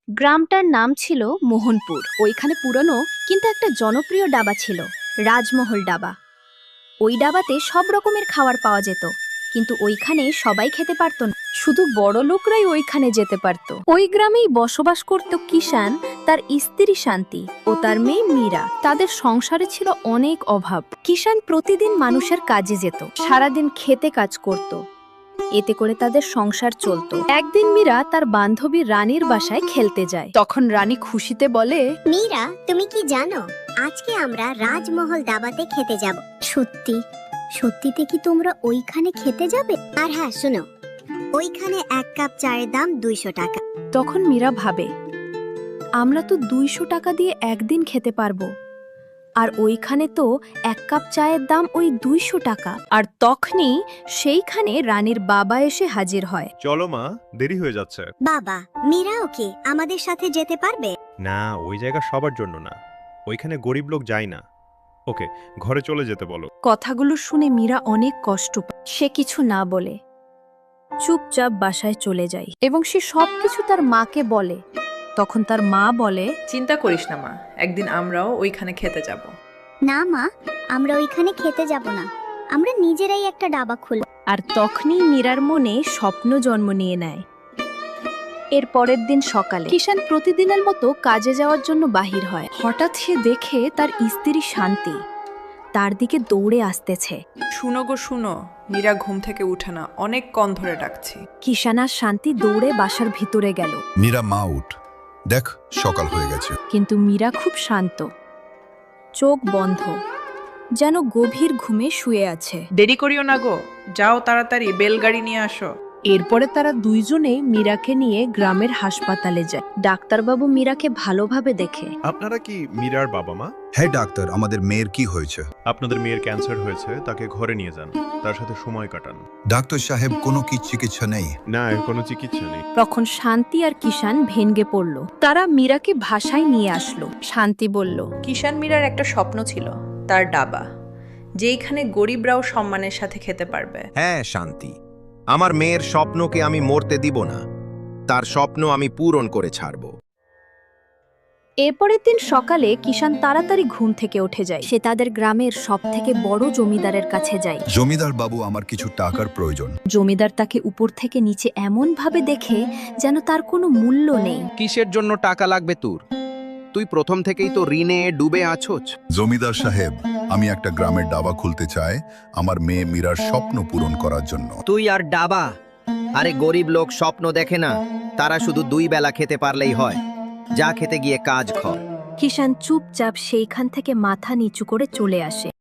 গ্রামটার নাম ছিল মোহনপুর। ওইখানে পুরনো কিন্তু একটা জনপ্রিয় ডাবা ছিল, রাজমহল ডাবা। ওই ডাবাতে সব রকমের খাবার পাওয়া যেত, কিন্তু ওইখানে সবাই খেতে পারতো না, শুধু বড় লোকরাই ওইখানে যেতে পারতো। ওই গ্রামেই বসবাস করত কিষান, তার স্ত্রী শান্তি ও তার মেয়ে মীরা। তাদের সংসারে ছিল অনেক অভাব। কিষান প্রতিদিন মানুষের কাজে যেত, সারাদিন খেতে কাজ করত, এতে করে তাদের সংসার চলতো। একদিন মীরা তার বান্ধবী রানীর বাসায় খেলতে যায়। তখন রানী খুশিতে বলে, মীরা, তুমি কি জানো আজকে আমরা রাজমহল দাবাতে খেতে যাব? সত্যি? সত্যিতে কি তোমরা ওইখানে খেতে যাবে? আর হ্যাঁ শোনো, ওইখানে এক কাপ চায়ের দাম 200 টাকা। তখন মীরা ভাবে, আমরা তো 200 টাকা দিয়ে একদিন খেতে পারবো, আর ওইখানে তো এক কাপ চায়ের দাম ওই 200 টাকা। আর তখনই সেইখানে রানীর বাবা এসে হাজির হয়। চলো মা, দেরি হয়ে যাচ্ছে। বাবা, মীরাও কি আমাদের সাথে যেতে পারবে? না, ওই জায়গা সবার জন্য না, ওইখানে গরিব লোক যায় না। ওকে, ঘরে চলে যেতে বলো। কথাগুলো শুনে মীরা অনেক কষ্ট পায়। সে কিছু না বলে চুপচাপ বাসায় চলে যায় এবং সে সবকিছু তার মাকে বলে। তখন তার মা বলে, চিন্তা করিস না মা, একদিন আমরাও ওইখানে খেতে যাব। না মা, আমরা ওইখানে খেতে যাব না, আমরা নিজেরাই একটা ডাবা খুলব। আর তখনই মীরার মনে স্বপ্ন জন্ম নিয়ে নেয়। এর পরের দিন সকালে কিষান প্রতিদিনের মতো কাজে যাওয়ার জন্য বাহির হয়। হঠাৎ সে দেখে তার স্ত্রী শান্তি তার দিকে দৌড়ে আসতেছে। শুনো গো শুনো, মীরা ঘুম থেকে উঠে না, অনেক কন ধরে ডাকছি। কিষান আর শান্তি দৌড়ে বাসার ভিতরে গেল, মীরা, মা উঠ, দেখ সকাল হয়ে গেছে। কিন্তু মীরা খুব শান্ত, চোখ বন্ধ, যেন গভীর ঘুমে শুয়ে আছে। দেরি করিও না গো, যাও তাড়াতাড়ি বেলগাড়ি নিয়ে আসো। এরপরে তারা দুইজনেই মীরাকে নিয়ে গ্রামের হাসপাতালে যায়। ডাক্তারবাবু মীরাকে ভালোভাবে দেখে। আপনারা কি মীরার বাবা মা? হ্যাঁ ডাক্তার, আমাদের মেয়ের কি হয়েছে? আপনাদের মেয়ের ক্যান্সার হয়েছে, তাকে ঘরে নিয়ে যান, তার সাথে সময় কাটান। ডাক্তার সাহেব, কোনো কি চিকিৎসা নেই? না, এর কোনো চিকিৎসা নেই। তখন শান্তি আর কিষান ভেঙ্গে পড়ল। তারা মীরাকে ভাষায় নিয়ে আসলো। শান্তি বলল, কিষান মীরার একটা স্বপ্ন ছিল, তার ডাবা, যেইখানে গরিবরাও সম্মানের সাথে খেতে পারবে। হ্যাঁ শান্তি, আমার মেয়ের স্বপ্নকে আমি মরতে দিব না, তার স্বপ্ন আমি পূরণ করে ছাড়ব। এরপরের দিন সকালে কিষান তাড়াতাড়ি ঘুম থেকে উঠে যায়। সে তাদের গ্রামের সবথেকে বড় জমিদারের কাছে যায়। জমিদার বাবু, আমার কিছু টাকার প্রয়োজন। জমিদার তাকে উপর থেকে নিচে এমন ভাবে দেখে যেন তার কোনো মূল্য নেই। কিসের জন্য টাকা লাগবে তোর? তুই প্রথম থেকেই তো ঋণে ডুবে আছোস। জমিদার সাহেব, আমি একটা গ্রামের ডাবা খুলতে চাই, আমার মেয়ে মীরার স্বপ্ন পূরণ করার জন্য। তুই আর ডাবা? আরে গরিব লোক স্বপ্ন দেখে না, তারা শুধু 2 বেলা খেতে পারলেই হয়। যা খেতে গিয়ে কাজ কর। কিষান চুপচাপ সেইখান থেকে মাথা নিচু করে চলে আসে।